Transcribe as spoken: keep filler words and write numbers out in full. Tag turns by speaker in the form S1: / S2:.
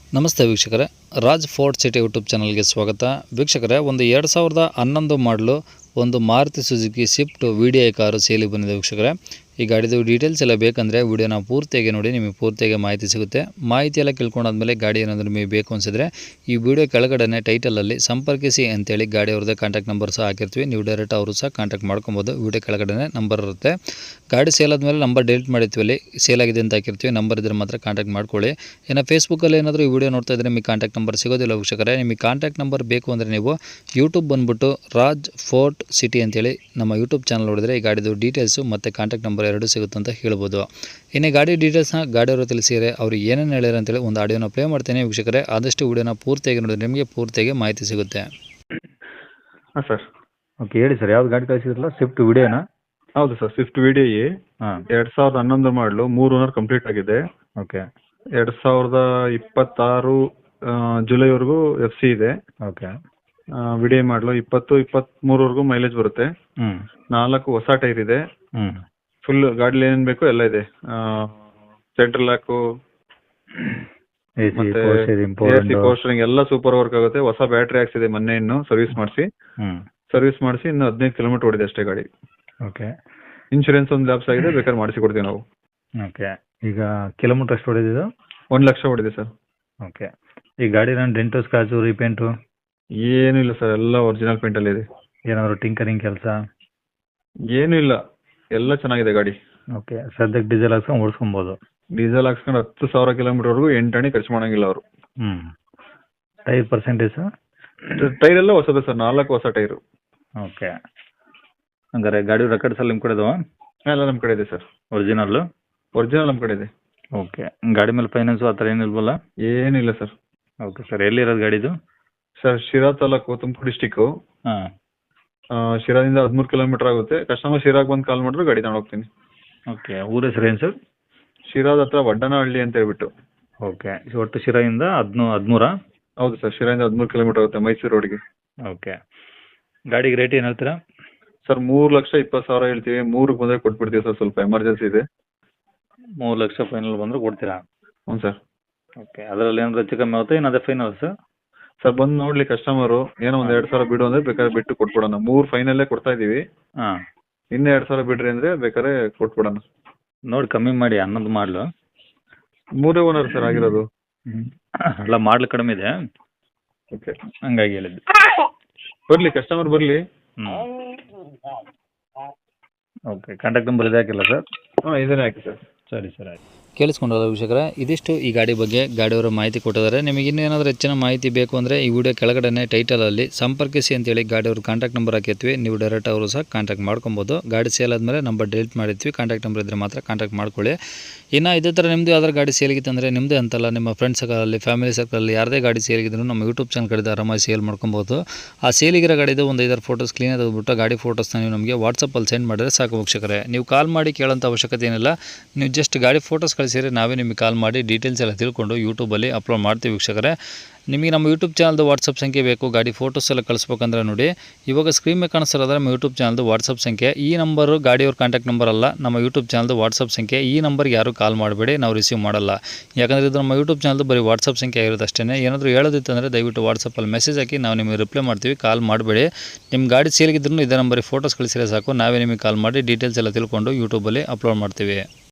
S1: ನಮಸ್ತೆ ವೀಕ್ಷಕರೇ, Raj fort city YouTube ಚಾನಲ್ಗೆ ಸ್ವಾಗತ. ವೀಕ್ಷಕರೇ, ಒಂದು ಎರಡು ಸಾವಿರದ ಹನ್ನೊಂದು ಮಾಡಲು ಒಂದು Maruti Suzuki Swift V D I car ಸೇಲಿಗೆ ಬಂದಿದೆ. ವೀಕ್ಷಕರೇ, ಈ ಗಾಡಿದು ಡೀಟೇಲ್ಸ್ ಎಲ್ಲ ಬೇಕಂದರೆ ವಿಡಿಯೋನ ಪೂರ್ತಿಯಾಗಿ ನೋಡಿ, ನಿಮಗೆ ಪೂರ್ತಿಯಾಗಿ ಮಾಹಿತಿ ಸಿಗುತ್ತೆ. ಮಾಹಿತಿ ಎಲ್ಲ ಕೇಳ್ಕೊಂಡಾದ್ಮೇಲೆ ಗಾಡಿ ಏನಾದರೂ ನಿಮಗೆ ಬೇಕು ಅನಿಸಿದ್ರೆ ಈ ವಿಡಿಯೋ ಕೆಳಗಡೆ ಟೈಟಲಲ್ಲಿ ಸಂಪರ್ಕಿಸಿ ಅಂತೇಳಿ ಗಾಡಿ ಅವ್ರದ್ದೇ ಕಾಂಟ್ಯಾಕ್ಟ್ ನಂಬರ್ ಸಹ ಹಾಕಿರ್ತೀವಿ. ನೀವು ಡೈರೆಕ್ಟ್ ಅವರು ಸಹ ಕಾಂಟ್ಯಾಕ್ಟ್ ಮಾಡ್ಕೊಬೋದು. ವಿಡಿಯೋ ಕೆಳಗಡೆ ನಂಬರ್ ಇರುತ್ತೆ. ಗಾಡಿ ಸೇಲ್ ಆದಮೇಲೆ ನಂಬರ್ ಡಿಲೀಟ್ ಮಾಡಿರ್ತೀವಿ, ಅಲ್ಲಿ ಸೇಲ್ ಆಗಿದೆ ಅಂತ ಹಾಕಿರ್ತೀವಿ. ನಂಬರ್ ಇದ್ರೆ ಮಾತ್ರ ಕಾಂಟ್ಯಾಕ್ಟ್ ಮಾಡ್ಕೊಳ್ಳಿ. ಇನ್ನು ಫೇಸ್ಬುಕ್ಕಲ್ಲಿ ಏನಾದರೂ ಈ ವಿಡಿಯೋ ನೋಡ್ತಾ ಇದ್ದರೆ ನಿಮಗೆ ಕಾಂಟ್ಯಾಕ್ಟ್ ನಂಬರ್ ಸಿಗೋದಿಲ್ಲ. ವೀಕ್ಷಕರೇ, ನಿಮಗೆ ಕಾಂಟ್ಯಾಕ್ಟ್ ನಂಬರ್ ಬೇಕು ಅಂದರೆ ನೀವು ಯೂಟ್ಯೂಬ್ ಬಂದುಬಿಟ್ಟು ರಾಜ್ ಫೋರ್ಟ್ ಸಿಟಿ ಅಂತೇಳಿ ನಮ್ಮ ಯೂಟ್ಯೂಬ್ ಚಾನಲ್ ನೋಡಿದರೆ ಈ ಗಾಡಿದು ಡೀಟೇಲ್ಸು ಮತ್ತು ಕಾಂಟ್ಯಾಕ್ಟ್ ನಂಬರ್ ಎರಡು ಸಿಗುತ್ತೆ ಅಂತ ಹೇಳ್ಬೋದು. ಇನ್ನು ಗಾಡಿ ಡೀಟೇಲ್ಸ್ನ ಗಾಡಿಯವರು ತಿಳಿಸಿದರೆ ಅವರು ಏನೇನು ಹೇಳ್ಯಾರ ಅಂತೇಳಿ ಒಂದು ಆಡಿಯೋನ ಪ್ಲೇ ಮಾಡ್ತೇನೆ. ವೀಕ್ಷಕರೇ, ಆದಷ್ಟು ವಿಡಿಯೋನ ಪೂರ್ತಿಯಾಗಿ ನೋಡಿದ್ರೆ ನಿಮಗೆ ಪೂರ್ತಿಯಾಗಿ ಮಾಹಿತಿ ಸಿಗುತ್ತೆ.
S2: ಹಾಂ ಸರ್.
S3: ಓಕೆ, ಹೇಳಿ ಸರ್, ಯಾವ್ದು ಗಾಡಿ ಕಳಿಸಿದ್ರಲ್ಲ? ಸ್ವಿಫ್ಟ್ ವಿಡಿಯೋನಾ?
S2: ಹೌದು sir, Swift V D I
S3: ಹಾಂ.
S2: ಎರಡು ಸಾವಿರದ ಹನ್ನೊಂದು ಮಾಡಲು ಮೂರು ಓನರ್ ಕಂಪ್ಲೀಟ್ ಆಗಿದೆ.
S3: ಓಕೆ
S2: ಎರಡು ಸಾವಿರದ ಇಪ್ಪತ್ತಾರು ಜುಲೈವರೆಗೂ ಎಫ್ ಸಿ ಇದೆ.
S3: ಓಕೆ
S2: ವಿ ಡಿ ಐ ಮಾಡಲು ಇಪ್ಪತ್ತು ಇಪ್ಪತ್ತ್ಮೂರವರೆಗೂ ಮೈಲೇಜ್ ಬರುತ್ತೆ.
S3: ಹ್ಞೂ
S2: ನಾಲ್ಕು ಹೊಸ ಟೈರ್ ಇದೆ.
S3: ಹ್ಞೂ
S2: ಫುಲ್ ಗಾಡೀಲಿ ಏನೇನು ಬೇಕು ಎಲ್ಲ ಇದೆ. ಸೆಂಟ್ರಲ್ ಲಾಕು
S3: ಎ ಸಿ
S2: ಮತ್ತೆ
S3: ಪೋಸ್ಟರ್
S2: ಎ
S3: ಇಂಪೋರ್ಟೆಂಟ್.
S2: ಸಿ ಪೋಸ್ಟರಿಂಗ್ ಎಲ್ಲ ಸೂಪರ್ ವರ್ಕ್ ಆಗುತ್ತೆ. ಹೊಸ ಬ್ಯಾಟ್ರಿ ಹಾಕ್ಸಿದೆ ಮೊನ್ನೆ, ಇನ್ನು ಸರ್ವಿಸ್ ಮಾಡಿಸಿ
S3: ಹ್ಞೂ
S2: ಸರ್ವಿಸ್ ಮಾಡಿಸಿ ಇನ್ನು ಹದಿನೈದು ಕಿಲೋಮೀಟರ್ ಓಡಿದೆ ಅಷ್ಟೇ ಗಾಡಿ.
S3: ಓಕೆ
S2: ಇನ್ಶೂರೆನ್ಸ್ ಒಂದು ಲ್ಯಾಪ್ಸ್ ಆಗಿದೆ, ಬೇಕಾದ್ರೆ ಮಾಡಿಸಿ ಕೊಡ್ತೀವಿ ನಾವು.
S3: ಓಕೆ ಈಗ ಕಿಲೋಮೀಟರ್ ಎಷ್ಟು ಹೊಡೆದಿದ್ದು?
S2: ಒಂದು ಲಕ್ಷ ಓಡಿದೆ ಸರ್.
S3: ಓಕೆ, ಈ ಗಾಡಿ ನಾನು ಡೆಂಟು ಸ್ಕ್ರಾಚು ರೀಪೇಂಟು
S2: ಏನೂ ಇಲ್ಲ ಸರ್, ಎಲ್ಲ ಒರಿಜಿನಲ್ ಪೇಂಟಲ್ಲಿ ಇದೆ.
S3: ಏನಾದರೂ ಟಿಂಕರಿಂಗ್ ಕೆಲಸ?
S2: ಏನೂ ಇಲ್ಲ, ಎಲ್ಲ ಚೆನ್ನಾಗಿದೆ ಗಾಡಿ.
S3: ಓಕೆ, ಸದ್ಯಕ್ಕೆ ಡೀಸೆಲ್ ಹಾಕ್ಸ್ಕೊಂಡು ಓಡಿಸ್ಕೊಬೋದು?
S2: ಡೀಸೆಲ್ ಹಾಕ್ಸ್ಕೊಂಡು ಹತ್ತು ಸಾವಿರ ಕಿಲೋಮೀಟರ್ವರೆಗೂ ಎಂಟಣಿ ಖರ್ಚು ಮಾಡಂಗಿಲ್ಲ ಅವರು.
S3: ಹ್ಞೂ ಟೈರ್ ಪರ್ಸೆಂಟೇಜ್?
S2: ಟೈರ್ ಎಲ್ಲ ಹೊಸದು ಸರ್, ನಾಲ್ಕು ಹೊಸ ಟೈರು.
S3: ಓಕೆ, ಹಂಗಾರೆ ಗಾಡಿ ರೆಕಾರ್ಡ್ಸ್ ಎಲ್ಲ ನಿಮ್ಮ ಕಡೆ ಇದಾವ?
S2: ಎಲ್ಲ ನಮ್ಮ ಕಡೆ ಇದೆ ಸರ್.
S3: ಒರಿಜಿನಲ್ಲು?
S2: ಒರಿಜಿನಲ್ ನಮ್ಮ ಕಡೆ ಇದೆ.
S3: ಓಕೆ, ಗಾಡಿ ಮೇಲೆ ಫೈನಾನ್ಸು ಆ ಥರ ಏನಿಲ್ವಲ್ಲ?
S2: ಏನಿಲ್ಲ ಸರ್.
S3: ಓಕೆ ಸರ್, ಎಲ್ಲಿರೋದು ಗಾಡಿದು?
S2: Sir, Sira taluk, Tumakuru district.
S3: ಹಾಂ.
S2: ಶಿರಾದಿಂದ ಹದಿಮೂರು ಕಿಲೋಮೀಟರ್ ಆಗುತ್ತೆ. ಕಸ್ಟಮರ್ ಶಿರಾಗೆ ಬಂದು ಕಾಲ್ ಮಾಡಿದ್ರೆ ಗಾಡಿ ತಗೊಂಡು ಹೋಗ್ತೀನಿ.
S3: ಓಕೆ, ಊರ ಹೆಸರು ಏನು ಸರ್?
S2: ಶಿರಾದ ಹತ್ರ ವಡ್ಡನಹಳ್ಳಿ ಅಂತ ಹೇಳ್ಬಿಟ್ಟು.
S3: ಓಕೆ, ಒಟ್ಟು ಶಿರಾಯಿಂದ ಹದಿನೂ ಹದಿಮೂರಾ?
S2: ಹೌದು ಸರ್, ಶಿರಾದಿಂದ ಹದಿಮೂರು ಕಿಲೋಮೀಟರ್ ಆಗುತ್ತೆ ಮೈಸೂರು ರೋಡ್ಗೆ.
S3: ಓಕೆ, ಗಾಡಿಗೆ ರೇಟ್ ಏನು ಹೇಳ್ತೀರಾ?
S2: ಸರ್, ಮೂರು ಲಕ್ಷ ಇಪ್ಪತ್ತು ಸಾವಿರ ಹೇಳ್ತೀವಿ. ಮೂರಕ್ಕೆ ಬಂದರೆ ಕೊಟ್ಬಿಡ್ತೀವಿ ಸರ್, ಸ್ವಲ್ಪ ಎಮರ್ಜೆನ್ಸಿ ಇದೆ.
S3: ಮೂರು ಲಕ್ಷ ಫೈನಲ್ ಬಂದರೆ ಕೊಡ್ತೀರಾ?
S2: ಹ್ಞೂ ಸರ್.
S3: ಓಕೆ, ಅದರಲ್ಲಿ ಏನಾದ್ರು ಹೆಚ್ಚು ಕಮ್ಮಿ ಆಗುತ್ತೆ? ಏನು ಅದೇ ಫೈನಲ್ ಸರ್?
S2: ಸರ್, ಬಂದು ನೋಡ್ಲಿ ಕಸ್ಟಮರು, ಏನೋ ಒಂದು ಎರಡು ಸಾವಿರ ಬಿಡು ಅಂದರೆ ಬೇಕಾದ್ರೆ ಬಿಟ್ಟು ಕೊಟ್ಬಿಡೋಣ. ಮೂರು ಫೈನಲ್ಲೇ ಕೊಡ್ತಾ ಇದ್ದೀವಿ.
S3: ಹಾಂ.
S2: ಇನ್ನೂ ಎರಡು ಸಾವಿರ ಬಿಡ್ರಿ ಅಂದರೆ ಬೇಕಾದ್ರೆ ಕೊಟ್ಬಿಡೋಣ.
S3: ನೋಡಿ ಕಮ್ಮಿ ಮಾಡಿ, ಹನ್ನೊಂದು ಮಾಡಲು.
S2: ಮೂರೇ ಓನರ್ ಸರ್ ಆಗಿರೋದು.
S3: ಹ್ಞೂ ಅಲ್ಲ, ಮಾಡಲು ಕಡಿಮೆ ಇದೆ,
S2: ಓಕೆ,
S3: ಹಂಗಾಗಿ ಹೇಳಿದ್ದು.
S2: ಬರಲಿ ಕಸ್ಟಮರ್ ಬರಲಿ.
S3: ಹ್ಞೂ ಓಕೆ, ಕಾಂಟ್ಯಾಕ್ಟ್ ನಂಬರ್ ಇದೆ ಹಾಕಿಲ್ಲ ಸರ್?
S2: ಹಾಂ, ಇದನ್ನೇ ಹಾಕಿ ಸರ್.
S3: ಸರಿ ಸರ್, ಆಯ್ತು.
S1: ಕೇಳಿಸ್ಕೊಂಡಲ್ಲ ವೀಕ್ಷಕರೇ, ಇದಿಷ್ಟು ಈ ಗಾಡಿ ಬಗ್ಗೆ ಗಾಡಿಯವರು ಮಾಹಿತಿ ಕೊಟ್ಟಿದ್ದಾರೆ. ನಿಮಗೆ ಇನ್ನೇನಾದರೂ ಹೆಚ್ಚಿನ ಮಾಹಿತಿ ಬೇಕು ಅಂದರೆ ಈ ವಿಡಿಯೋ ಕೆಳಗಡೆ ಟೈಟಲಲ್ಲಿ ಸಂಪರ್ಕಿಸಿ ಅಂತೇಳಿ ಗಾಡಿಯವ್ರ ಕಾಂಟ್ಯಾಕ್ಟ್ ನಂಬರ್ ಹಾಕಿರ್ತೀವಿ. ನೀವು ಡೈರೆಕ್ಟ್ ಅವರು ಸಹ ಕಾಂಟ್ಯಾಕ್ಟ್ ಮಾಡ್ಕೊಬೋದು. ಗಾಡಿ ಸೇಲ್ ಆದಮೇಲೆ ನಂಬರ್ ಡಿಲೀಟ್ ಮಾಡಿರ್ತೀವಿ. ಕಾಂಟ್ಯಾಕ್ಟ್ ನಂಬರ್ ಇದ್ದರೆ ಮಾತ್ರ ಕಾಂಟ್ಯಾಕ್ಟ್ ಮಾಡ್ಕೊಳ್ಳಿ. ಇನ್ನು ಇದೇ ಥರ ನಿಮ್ಮದು ಯಾವ್ದಾರು ಗಾಡಿ ಸೇಲಿಗಿತ್ತು ಅಂದರೆ ನಿಮ್ಮದೇ ಅಂತಲ್ಲ, ನಿಮ್ಮ ಫ್ರೆಂಡ್ಸ್ ಸರ್ಕಲಲ್ಲಿ, ಫ್ಯಾಮಿಲಿ ಸರ್ಕಲಲ್ಲಿ ಯಾರದೇ ಗಾಡಿ ಸೇಲಿಗಿದ್ರು ನಮ್ಮ ಯೂಟ್ಯೂಬ್ ಚಾನಲ್ ಕಡೆದು ಆರಾಮಾಗಿ ಸೇಲ್ ಮಾಡ್ಕೊಬೋದು. ಆ ಸೇಲಿಗಿರೋ ಗಾಡಿದು ಒಂದು ಐದಾರು ಫೋಟೋಸ್ ಕ್ಲೀನಾಗಿ ತೆಗೆದುಬಿಟ್ಟು ಗಾಡಿ ಫೋಟೋಸ್ನ ನೀವು ನಮಗೆ ವಾಟ್ಸಪ್ಪಲ್ಲಿ ಸೆಂಡ್ ಮಾಡಿದ್ರೆ ಸಾಕು ವೀಕ್ಷಕರೇ. ನೀವು ಕಾಲ್ ಮಾಡಿ ಕೇಳೋಂಥ ಅವಶ್ಯಕತೆ ಏನಿಲ್ಲ. ನೀವು ಜಸ್ಟ್ ಗಾಡಿ ಫೋಟೋಸ್ ಕಳಿಸಿದ್ರೆ ನಾವೇ ನಿಮಗೆ ಕಾಲ್ ಮಾಡಿ ಡೀಟೇಲ್ಸ್ ಎಲ್ಲ ತಿಳ್ಕೊಂಡು ಯೂಟ್ಯೂಬಲ್ಲಿ ಅಪ್ಲೋಡ್ ಮಾಡ್ತೀವಿ ವೀಕ್ಷಕರೇ. ನಿಮಗೆ ನಮ್ಮ ಯೂಟ್ಯೂಬ್ ಚಾನಲ್ದು ವಾಟ್ಸಪ್ ಸಂಖ್ಯೆ ಬೇಕು, ಗಾಡಿ ಫೋಟೋಸ್ ಎಲ್ಲ ಕಳಿಸ್ಬೇಕಂದ್ರೆ ನೋಡಿ, ಇವಾಗ ಸ್ಕ್ರೀನ್ ಮೇಲೆ ಕಾಣಿಸ್ತಿರೋದ್ರೆ ನಮ್ಮ ಯೂಟ್ಯೂಬ್ ಚಾನಲ್ದು ವಾಟ್ಸಪ್ ಸಂಖ್ಯೆ. ಈ ನಂಬರು ಗಾಡಿಯವ್ರ ಕಾಂಟ್ಯಾಕ್ಟ್ ನಂಬರ್ ಅಲ್ಲ, ನಮ್ಮ ಯೂಟ್ಯೂಬ್ ಚಾನಲ್ದು ವಾಟ್ಸಪ್ ಸಂಖ್ಯೆ. ಈ ನಂಬರ್ಗೆ ಯಾರು ಕಾಲ್ ಮಾಡಬೇಡಿ, ನಾವು ರಿಸೀವ್ ಮಾಡಲ್ಲ. ಯಾಕಂದರೆ ಇದು ನಮ್ಮ ಯೂಟ್ಯೂಬ್ ಚಾನಲ್ದು ಬರೀ ವಾಟ್ಸಪ್ ಸಂಖ್ಯೆ ಆಗಿರೋದು ಅಷ್ಟೇ. ಏನಾದರೂ ಹೇಳೋದಿತ್ತು ಅಂದರೆ ದಯವಿಟ್ಟು ವಾಟ್ಸಪ್ಪಲ್ಲಿ ಮೆಸೇಜ್ ಹಾಕಿ, ನಾವು ನಿಮಗೆ ರಿಪ್ಲೈ ಮಾಡ್ತೀವಿ. ಕಾಲ್ ಮಾಡಬೇಡಿ. ನಿಮ್ಮ ಗಾಡಿ ಸೇಲ್ಗಿದ್ರೂ ಇದೇ ನಂಬರಿಗೆ ಫೋಟೋಸ್ ಕಳಿಸಿದ್ರೆ ಸಾಕು, ನಾವೇ ನಿಮಗೆ ಕಾಲ್ ಮಾಡಿ ಡೀಟೇಲ್ಸ್ ಎಲ್ಲ ತಿಳ್ಕೊಂಡು ಯೂಟ್ಯೂಬಲ್ಲಿ ಅಪ್ಲೋಡ್ ಮಾಡ್ತೀವಿ.